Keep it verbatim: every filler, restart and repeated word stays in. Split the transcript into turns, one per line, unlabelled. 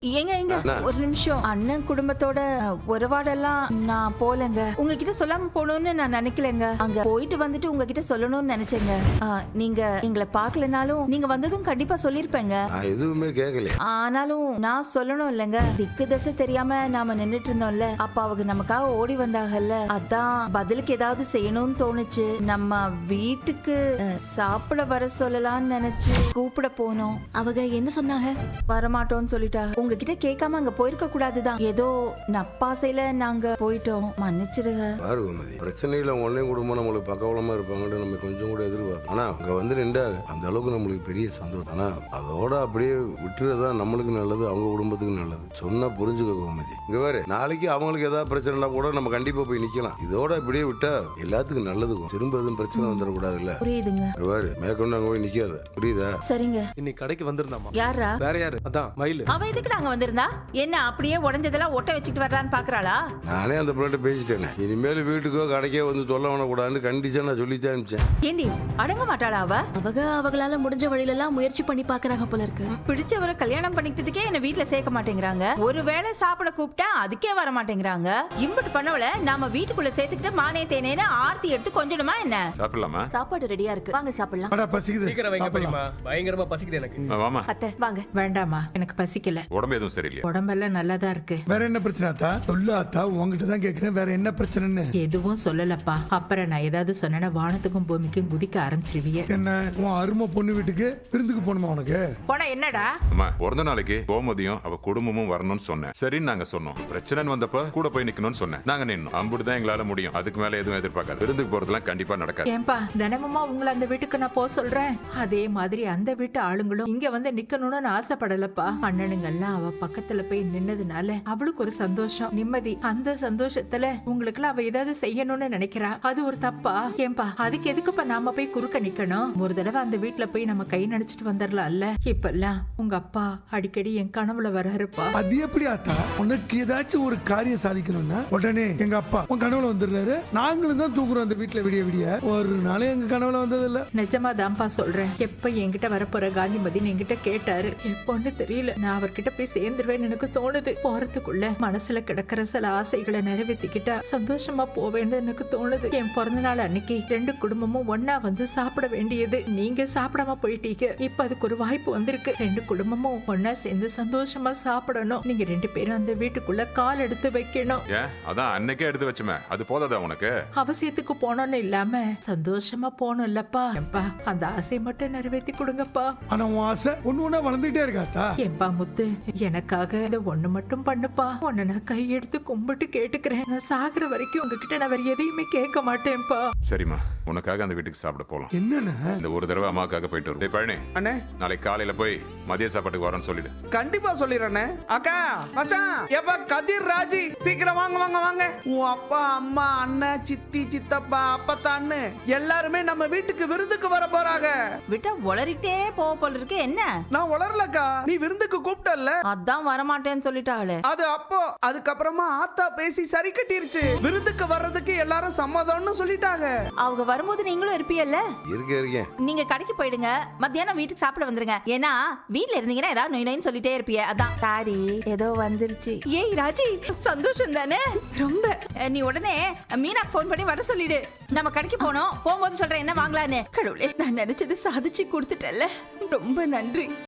ஏங்க எங்க ஒரு நிமிஷம். அண்ணன் குடும்பத்தோட உறவாடெல்லாம் நான் போலங்க. உங்ககிட்ட சொல்லாம போகணும்னு நான் நினைக்கலங்க. அங்க போயிட்டு வந்துட்டு உங்ககிட்ட சொல்லணும்னு நினைச்சேங்க. நீங்க எங்களை பாக்கலனாலும் நீங்க வந்ததும் கண்டிப்பா சொல்லிருப்பேங்க.
எதுவுமே கேட்கல.
ஆனாலும் நான் சொல்லணும் இல்லங்க. திக்கு தசை தெரியாம நாம நின்னுட்டு இருந்தோம்ல. அப்ப அவங்க நமக்காக ஓடி வந்தாங்கல்ல. அதான் பதிலுக்கு ஏதாவது செய்யணும்னு தோணுச்சு. நம்ம வீட்டுக்கு சாப்பிட வர சொல்லலாம்னு நினைச்சு கூப்பிட போனோம்.
அவங்க என்ன சொன்னாங்க?
வரமாட்டோம்னு சொல்லிட்டாங்க. உங்ககிட்ட கேட்காம அங்க போயிருக்க கூடாதுதான். ஏதோ நப்பாசையில நாங்க போயிட்டோம், மன்னிச்சிருங்க.
பாரு கோமதி, பிரச்சனையில ஒன்னே குடும்பம் நம்மளுக்கு பக்கவளமா இருப்பாங்கன்னு நம்ம கொஞ்சம் கூட எதிர்பார்ப்போம். ஆனா அங்க வந்து நின்றா அந்த அளவுக்கு நம்மளுக்கு பெரிய சந்தோஷம். ஆனா அதோட அப்படியே விட்டுறதா நம்மளுக்கு நல்லது, அவங்க குடும்பத்துக்கு நல்லது. சொன்னா புரிஞ்சுக்க கோமதி. இங்க வேற நாளைக்கு அவங்களுக்கு ஏதாவது பிரச்சனைனா கூட நம்ம கண்டிப்பா போய் நிக்கலாம். இதோட இப்படியே விட்டா எல்லாத்துக்கும் நல்லது. திரும்ப எதுவும் பிரச்சனை வந்துடக்கூடாதுல்ல.
புரியுதுங்க.
வேறு மேற்கொண்டு அங்க போய் நிக்காத, புரியுதா?
சரிங்க.
இன்னைக்கு கடைக்கு வந்திருந்தாமா?
யாரா?
வேற யாரு? அதான் மயிலு.
அவ எதுக்கு நாங்க வந்திருந்தா? என்ன அப்படியே உடைஞ்சதெல்லாம் ஒட்ட வச்சுட்டு வரலான்னு பாக்குறாளா?
நானே அந்த பிள்ளைகிட்ட பேசிட்டேன். இனிமேல் வீட்டுக்கோ கடைக்கோ வந்து தொல்லை பண்ணக்கூடாதுன்னு கண்டிச்சா நான் சொல்லித்தான் அனுப்பிச்சேன்.
ஏண்டி அடங்க மாட்டாளா அவ?
அவங்க அவங்களால முடிஞ்ச வழியில எல்லாம் முயற்சி பண்ணி பாக்குறாங்க போல இருக்கு.
பிடிச்சவரை கல்யாணம் பண்ணிக்கிட்டதுக்கே என்ன வீட்டுல சேர்க்க மாட்டேங்கிறாங்க. ஒருவேளை சாப்பிட கூப்பிட்டா அதுக்கே வர மாட்டேங்கிறாங்க. இம்புட்டு பண்ணவள நாம வீட்டுக்குள்ள சேர்த்துக்கிட்டு மானே தேனேன்னு ஆர்த்தி எடுத்து கொஞ்சணுமா என்ன?
சாப்பிடலாமா?
சாப்பாடு ரெடியா இருக்கு, வாங்க சாப்பிடலாம்.
அட பசிக்குது.
சீக்கிரம் வைங்க பெரியம்மா, பயங்கரமா பசிக்குது எனக்கு.
வாமா
அத்தை வாங்க.
வேண்டாமா, எனக்கு பசிக்கல.
உடம்பு எதுவும் சரியில்லையா?
உடம்பெல்லாம் நல்லாதான் இருக்கு.
வேற என்ன பிரச்சனை ஆத்தா? சொல்லு ஆத்தா, உங்ககிட்ட தான் கேக்குறேன். வேற என்ன பிரச்சனைன்னு?
எதுவும் சொல்லலப்பா. அப்புறம் நான் ஏதாவது சொன்னா வானத்துக்கும் பூமிக்கும் குதிக்க ஆரம்பிச்சிருவிய.
என்ன உன் அருமை பொண்ணு வீட்டுக்கு விருந்துக்கு போகணுமா உனக்கு?
போனா என்னடா?
அம்மா பிறந்த நாளைக்கு கோமதியும் அவ குடும்பமும் வரணும்னு சொன்னேன். சரின்னு நாங்க சொன்னோம். பிரச்சனைன்னு வந்தப்ப கூட போய் நிக்கணும்னு சொன்னேன். நாங்க நின்னோம். அம்புட்டுதான் எங்களால முடியும். அதுக்கு மேல எதுவும் எதிர்பார்க்காது. விருந்துக்கு போறதுலாம் கண்டிப்பா நடக்காது.
ஏன்பா தினமுமா உங்களை அந்த வீட்டுக்கு நான் போக சொல்றேன். அதே மாதிரி அந்த வீட்டு ஆளுங்களும் இங்க வந்து நிக்கணும்னு ஆசைப்படலப்பா. அண்ணனுங்க எல்லாம் அவ பக்கத்துல போய் நின்னதுனால அவளுக்கு ஒரு சந்தோஷம், நிம்மதி. அந்த சந்தோஷத்துல உங்களுக்கு எல்லாம் அவ ஏதாவது செய்யணும்னு நினைக்கிறா. அது ஒரு தப்பா? ஏன்பா அதுக்கு எதுக்குப்பா நாம போய் குறுக்க நிக்கணும்? ஒரு தடவை அந்த வீட்டுல போய் நம்ம கை நடிச்சிட்டு வந்துடலாம்ல. இப்பெல்லாம் உங்க அப்பா அடிக்கடி என் கனவுல வர்றாருப்பா.
அது எப்படி ஆத்தா? உனக்கு ஏதாச்சும் ஒரு காரியம் சாதிக்கணும்னா உடனே எங்க அப்பா உன் கனவுல வந்துடுறாரு. நாங்களும் தான் தூங்குறோம் அந்த வீட்டுல விடிய விடிய. ஒரு நாளே எங்க கனவுல வந்தது இல்ல.
நிஜமா தான்ப்பா சொல்றேன். எப்ப என்கிட்ட வரப்போற காந்திமதினு என்கிட்ட கேட்டாரு. எப்போன்னு தெரியல. நான் அவர்கிட்ட போய் சேர்ந்துருவேன்னு எனக்கு தோணுது. போறதுக்குள்ள மனசுல கிடக்கிற சில ஆசைகளை நிறைவேற்றிக்கிட்டா சந்தோஷமா போவேன்னு எனக்கு தோணுது. என் பிறந்த நாள் அன்னைக்கு ரெண்டு குடும்பமும் ஒன்னா வந்து சாப்பிட வேண்டியது. நீங்க சாப்பிடாம போயிட்டீங்க. இப்ப அதுக்கு ஒரு வாய்ப்பு வந்திருக்கு. ரெண்டு குடும்பமும் ஒன்னா சேர்ந்து சந்தோஷமா சாப்பிடணும். நீங்க ரெண்டு பேரும் அந்த வீட்டுக்குள்ள கால் எடுத்து வைக்கணும்.
ஏன் அதான் அன்னைக்கே எடுத்து வச்சுமே, அது போதாதா உனக்கு?
அவசியத்துக்கு போனோம்னு இல்லாம சந்தோஷமா போகணும் இல்லப்பா? ஏன்பா அந்த ஆசையை மட்டும் நிறைவேற்றி கொடுங்கப்பா.
ஆனா உன் ஆசை ஒண்ணு ஒண்ணா வளர்ந்துட்டே இருக்காத்தா.
ஏன்பா முத்து, எனக்காக இதை ஒண்ணு மட்டும் பண்ணுப்பா. உன்னை நான் கையெடுத்து கும்பிட்டு கேட்டுக்கிறேன். நான் சாகுற வரைக்கும் உங்ககிட்ட நான் வேற எதையுமே கேட்க மாட்டேன்ப்பா.
சரிம்மா, உனக்காக அந்த வீட்டுக்கு சாப்பிட போலாம்.
என்னன்னு
இந்த ஒரு தடவை அம்மாக்காக போயிட்டு வரும். பழனி
அண்ணே,
நாளைக்கு காலையில போய் மதிய சாப்பாட்டுக்கு வரேன்னு சொல்லிடு.
கண்டிப்பா சொல்லிடுறேண்ணே. அக்கா மச்சான், எப்ப கதிர் ராஜி சீக்கிரம் வாங்க வாங்க வாங்க. உன் அப்பா அம்மா அண்ணன் சித்தி சித்தப்பா அப்பத்தான்னு எல்லாருமே நம்ம வீட்டுக்கு விருந்துக்கு வர போறாங்க.
விட்டா உளறிட்டே போக போல இருக்கு. என்ன
நான் உளரலக்கா, நீ விருந்துக்கு கூப்பிட்டல்ல,
அதான் வரமாட்டேன்னு சொல்லிட்டாளே.
அது அப்போ. அதுக்கப்புறமா ஆத்தா பேசி சரி கட்டிருச்சு. விருந்துக்கு வர்றதுக்கு எல்லாரும் சம்மதம்னு சொல்லிட்டாங்க.
அவங்க வரும்போது நீங்களும் இருப்பீல்ல?
இருக்கேன் இருக்கேன்.
நீங்க கடைக்கு போயிடுங்க, மத்தியானம் வீட்டுக்கு சாப்பிட வந்துருங்க. ஏன்னா வீட்ல இருந்தீங்கன்னா ஏதாவது நொய் நொயின்னு சொல்லிட்டே இருப்பிய. அதான் சாரி ஏதோ வந்துருச்சு. ஏய் ராஜி, சந்தோஷம் தானே? ரொம்ப. நீ உடனே மீனா போன் பண்ணி வர சொல்லிடு. நம்ம கடைக்கு போனோம். போகும்போது சொல்றேன் என்ன வாங்கலான்னு. கடவுளே, நான் நினைச்சது சாதிச்சு கொடுத்துட்டேன்ல. ரொம்ப நன்றி.